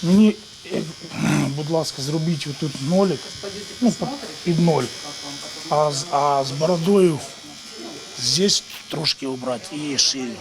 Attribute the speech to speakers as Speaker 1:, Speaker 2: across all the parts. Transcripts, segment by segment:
Speaker 1: Мені, будь ласка, зробіть отут нолик, ну, під ноль, а з бородою здесь трошки убрати і шию.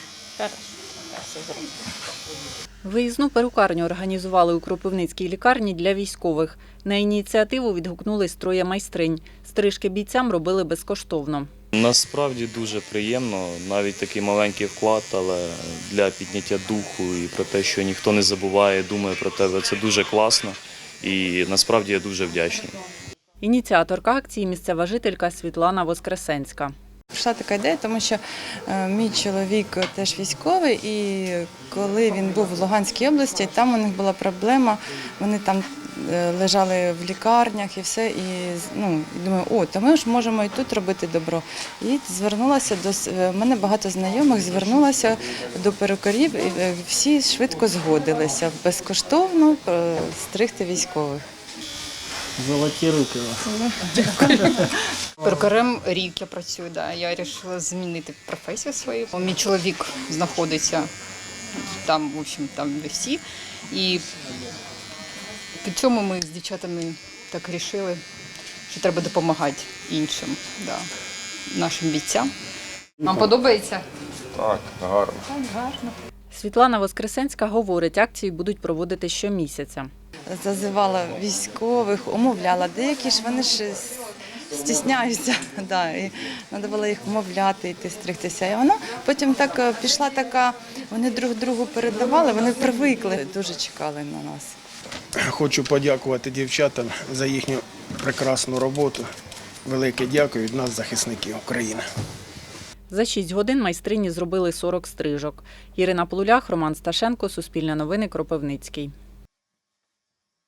Speaker 2: Виїзну перукарню організували у Кропивницькій лікарні для військових. На ініціативу відгукнулись троє майстринь. Стрижки бійцям робили безкоштовно.
Speaker 3: Насправді дуже приємно, навіть такий маленький вклад, але для підняття духу і про те, що ніхто не забуває, думає про тебе, це дуже класно і насправді я дуже вдячний.
Speaker 2: Ініціаторка акції – місцева жителька Світлана Воскресенська.
Speaker 4: Прийшла така ідея, тому що мій чоловік теж військовий, і коли він був в Луганській області, там у них була проблема, вони там лежали в лікарнях і все, і думаю, то ми ж можемо і тут робити добро. І звернулася в мене багато знайомих, звернулася до перукарів, і всі швидко згодилися безкоштовно стригти військових.
Speaker 1: Золоті руки у вас.
Speaker 5: Перукарем рік я працюю, я вирішила змінити професію свою. Мій чоловік знаходиться там, в общем, там де всі. І під цьому ми з дівчатами так вирішили, що треба допомагати іншим, нашим бійцям. Вам подобається?
Speaker 6: Так, гарно.
Speaker 5: Так, гарно.
Speaker 2: Світлана Воскресенська говорить, акції будуть проводити щомісяця.
Speaker 4: Зазивала військових, умовляла. Деякі ж вони ж стісняються, і треба було їх умовляти, йти стригтися. І вона потім так пішла така, вони друг другу передавали, вони привикли, дуже чекали на нас.
Speaker 1: Хочу подякувати дівчатам за їхню прекрасну роботу. Велике дякую від нас, захисників України.
Speaker 2: За 6 годин майстрині зробили 40 стрижок. Ірина Полулях, Роман Сташенко, Суспільне новини, Кропивницький.